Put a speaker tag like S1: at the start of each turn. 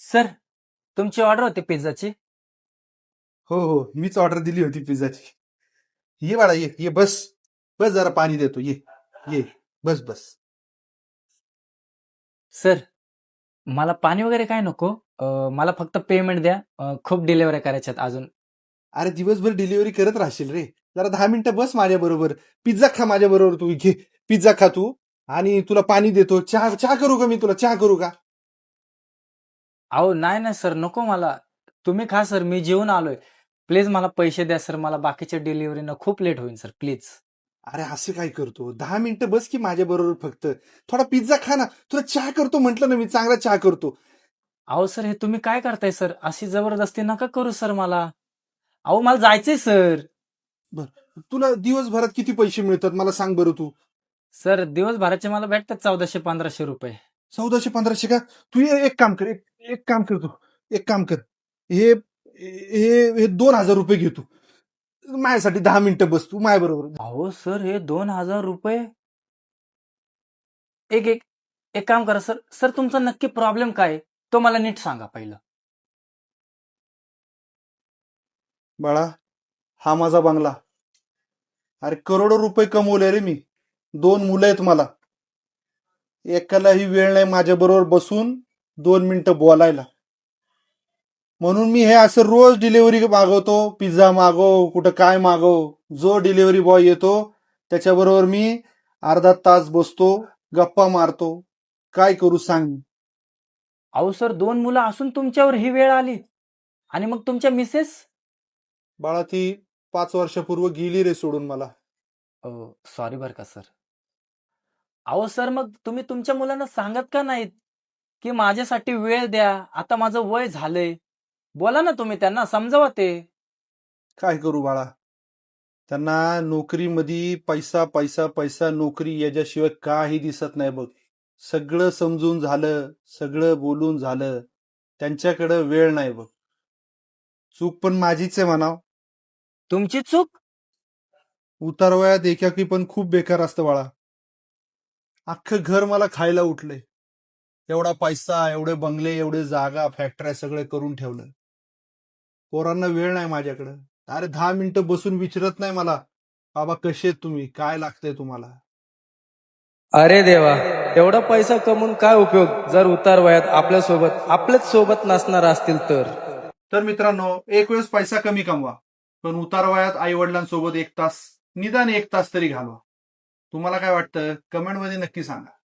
S1: Sir, तुमची order होती पिझ्झाची.
S2: हो हो, मीच ऑर्डर दिली होती पिझ्झाची. ये बाळा, ये ये, बस बस, जरा पाणी देतो, ये ये, बस बस.
S1: सर, मला पाणी वगैरे काय नको. मला फक्त पेमेंट द्या. खूप डिलिव्हरी करायच्यात अजून.
S2: अरे दिवसभर डिलिव्हरी करत राहशील रे, जरा 10 मिनिटं बस माझ्या बरोबर. पिझ्झा खा माझ्या बरोबर, तू घे पिझ्झा खा तू. आणि तुला पाणी देतो. चहा चहा करू का, मी तुला चहा करू का?
S1: अहो नाही नाही सर, नको मला. तुम्ही खा सर, मी जेवून आलोय. प्लीज मला पैसे द्या सर, मला बाकीच्या डिलिव्हरीनं खूप लेट होईल सर, प्लीज.
S2: अरे असं काय करतो, 10 मिनिटं बस की माझ्या बरोबर फक्त. थोडा पिझ्झा खा ना, तुला चहा करतो म्हटलं ना, मी चांगला चहा करतो.
S1: अहो सर, हे तुम्ही काय करताय सर? अशी जबरदस्ती नका करू सर मला. अहो मला जायचंय सर.
S2: बर, तुला दिवसभरात किती पैसे मिळतात मला सांग बरं तू.
S1: सर, दिवसभराचे मला भेटतात 1400-1500 रुपये.
S2: 1400-1500 का? तू एक काम कर, एक काम कर, तू एक काम कर. हे हे हे 2,000 रुपये घे तू. माझ्यासाठी 10 मिनिटं बस तू माझ्या बरोबर.
S1: अहो सर, हे 2000 रुपये. एक एक एक काम करा सर. सर, तुमचा नक्की प्रॉब्लेम काय आहे? तो मला नीट सांगा पहिलं.
S2: बाळा, हा माझा बंगला. अरे करोडो रुपये कमवले रे मी. 2 मुलं आहेत मला. एकालाही वेळ नाही माझ्या बरोबर बसून 2 मिनिटं बोलायला. म्हणून मी हे असं रोज डिलिव्हरी मागवतो, पिझ्झा मागव, कुठं काय मागव. जो डिलिव्हरी बॉय येतो त्याच्याबरोबर मी अर्धा तास बसतो, गप्पा मारतो. काय करू सांग.
S1: अहो सर, 2 मुलं असून तुमच्यावर ही वेळ आली. आणि मग तुमच्या मिसेस.
S2: बाळा, ती 5 वर्षापूर्वी गेली रे सोडून मला.
S1: सॉरी बरं का सर. अहो सर, मग तुम्ही तुमच्या मुलांना सांगत का नाहीत की माझ्यासाठी वेळ द्या, आता माझं वय झालंय. बोला ना तुम्ही त्यांना, समजावा ते.
S2: काय करू बाळा, त्यांना नोकरीमध्ये पैसा पैसा पैसा, नोकरी याच्याशिवाय काही दिसत नाही बघ. सगळं समजून झालं, सगळं बोलून झालं, त्यांच्याकडे वेळ नाही बघ. चूक पण माझीच आहे म्हणाव.
S1: तुमची चूक.
S2: उतारवयात एकाकी पण खूप बेकार असतं बाळा. अख्खं घर मला खायला उठलंय. एवढा पैसा, एवढे बंगले, एवढे जागा, फॅक्टऱ्या सगळे करून ठेवलं. पोरांना वेळ नाही माझ्याकडं. अरे 10 मिनिटं बसून विचारत नाही मला, बाबा कसे आहेत तुम्ही, काय लागतंय तुम्हाला.
S1: अरे देवा, एवढा पैसा कमवून काय उपयोग जर उतार वयात आपल्याच सोबत नसणार असतील तर.
S2: तर मित्रांनो, एक वेळेस पैसा कमी कमवा, पण उतारवयात आई वडिलांसोबत 1 तास, निदान 1 तास तरी घालवा. तुम्हाला काय वाटतं, कमेंटमध्ये नक्की सांगा.